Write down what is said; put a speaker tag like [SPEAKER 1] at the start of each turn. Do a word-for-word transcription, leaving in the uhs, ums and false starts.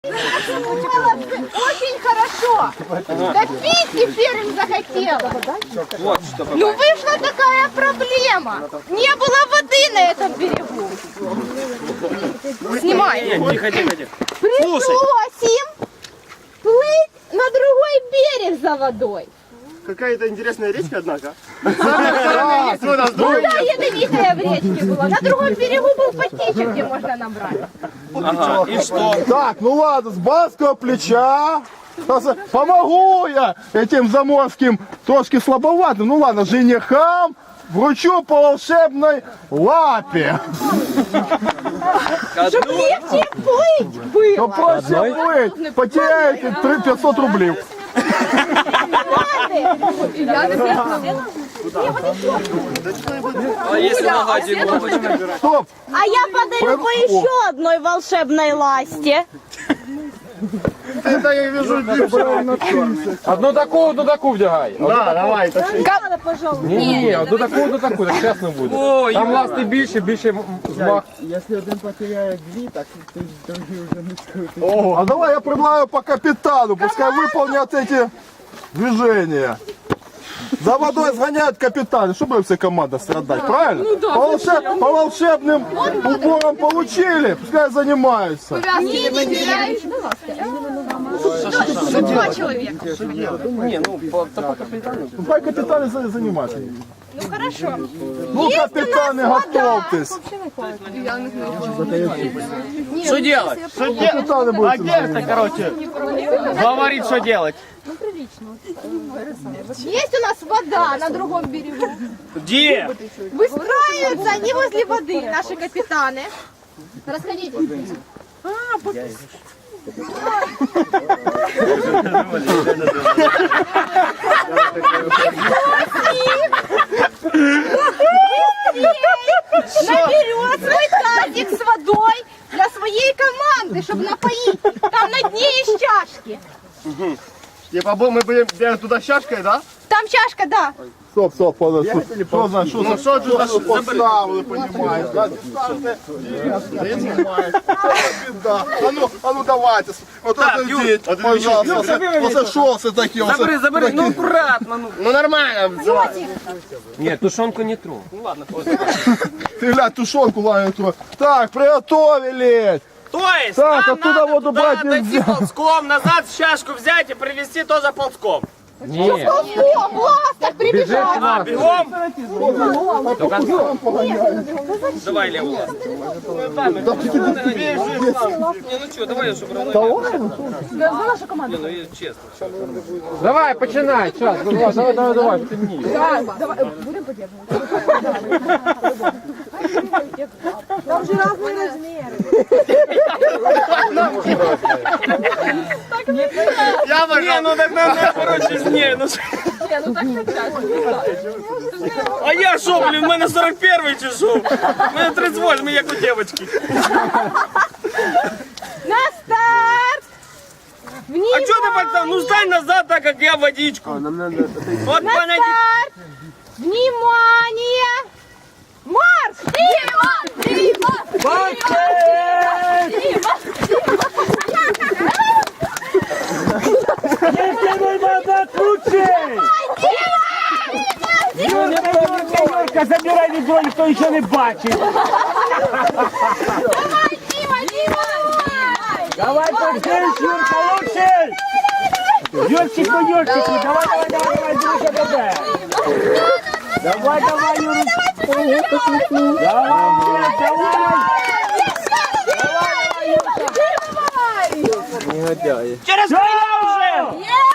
[SPEAKER 1] Очень хорошо. Да пить теперь им захотела.
[SPEAKER 2] Вот что.
[SPEAKER 1] Ну вышла такая проблема. Не было воды на этом берегу. Снимай.
[SPEAKER 2] Тихо, тихо, тихо.
[SPEAKER 1] Пришлось им плыть на другой берег за водой.
[SPEAKER 3] Какая-то интересная речка, однако.
[SPEAKER 1] Ну да, ядовитая в речке была. На другом берегу был потечек, где можно набрать.
[SPEAKER 2] Ага, и что?
[SPEAKER 4] Так, ну ладно, с барского плеча. Помогу я этим заморским, трошки слабоватым. Ну ладно, женихам вручу по волшебной лапе.
[SPEAKER 1] Чтоб легче плыть было.
[SPEAKER 4] Ну проще плыть, потеряете пятьсот рублей.
[SPEAKER 2] А если нога Димовочка?
[SPEAKER 4] Стоп!
[SPEAKER 5] А я подарю по еще одной волшебной ласте.
[SPEAKER 3] Это я вижу
[SPEAKER 6] Одну таку, одну таку вдягай.
[SPEAKER 3] Да, давай.
[SPEAKER 6] Ні, ні, ні, одну таку, одну таку, так чесно буде.
[SPEAKER 2] Ой,
[SPEAKER 6] Там ласти більше, більше змах.
[SPEAKER 4] А давай я предлагаю по капитану, пускай выполнят эти движения. За водой сгоняют капитаны, чтобы все команда страдать, правильно? Ну, да, по, волшеб... по волшебным уборам получили, пускай занимаются.
[SPEAKER 1] Не, не, не. Два человека.
[SPEAKER 2] Не, ну, по, по капитану.
[SPEAKER 4] Пускай капитаны за- занимаются.
[SPEAKER 1] Ну хорошо.
[SPEAKER 4] Ну, капитаны, готовьтесь.
[SPEAKER 2] Что делать?
[SPEAKER 4] Капитаны будут заниматься.
[SPEAKER 3] Короче, говорит, что делать.
[SPEAKER 1] Есть у нас вода на другом берегу.
[SPEAKER 2] Где?
[SPEAKER 1] Выстраиваются они возле воды, наши капитаны. Расходитесь. Наберет свой тазик с водой для своей команды, чтобы напоить. Там на дне есть чашки.
[SPEAKER 3] Типа мы будем бегать туда с чашкой, да?
[SPEAKER 1] Там чашка, да.
[SPEAKER 4] Стоп, стоп, подожди. Что за, что за,
[SPEAKER 3] что
[SPEAKER 4] что за поставили, понимаешь? Да, станьте, занимаешь. Да. А ну, а ну давайте. Вот
[SPEAKER 2] Так,
[SPEAKER 4] это
[SPEAKER 2] Юр,
[SPEAKER 4] здесь, пожалуйста. Вот это шосы такие. вот
[SPEAKER 2] Забери,
[SPEAKER 4] это-
[SPEAKER 2] забери, ну аккуратно, ну.
[SPEAKER 3] Ну нормально.
[SPEAKER 2] Нет, тушенку не тру. Ну ладно,
[SPEAKER 4] Ты, глянь, тушенку ловит. Так, приготовились.
[SPEAKER 2] То есть,
[SPEAKER 4] Так,
[SPEAKER 2] нам
[SPEAKER 4] оттуда
[SPEAKER 2] надо
[SPEAKER 4] воду
[SPEAKER 2] туда
[SPEAKER 4] брать
[SPEAKER 2] отойти
[SPEAKER 4] нельзя.
[SPEAKER 2] ползком, назад чашку взять и привезти тоже ползком.
[SPEAKER 6] Ні,
[SPEAKER 1] О, ласток прибежал.
[SPEAKER 2] А, бегом? Давай левую ласту. Не, ну что, давай, чтобы равно. Не, ну и честно.
[SPEAKER 6] давай, починай, час, давай, давай, давай, давай, темніє.
[SPEAKER 3] Я
[SPEAKER 2] Не, ну так надо, короче, не, ну. А я шо, блин, в мене сорок первый чи шо? В мене тридцать восемь, як у девочки.
[SPEAKER 1] На старт.
[SPEAKER 2] А
[SPEAKER 1] Внимание.
[SPEAKER 2] что ты, пацан, ну стань назад, так как я водичку. Вот
[SPEAKER 1] На
[SPEAKER 2] понятно.
[SPEAKER 1] старт. Внимание. Марш. Дима, Дима, Дима,
[SPEAKER 7] Забирай відео, ніхто нічого не бачить.
[SPEAKER 1] Давай, Дима, Дима.
[SPEAKER 7] Давай, подивись, Юрка, лучше. Юрчик, ну Юрчик, давай, давай, давай, давай, дивися тебе. Давай, давай, Юрчик. Давай, давай. Давай, давай, Юрчик.
[SPEAKER 2] Через меня уже!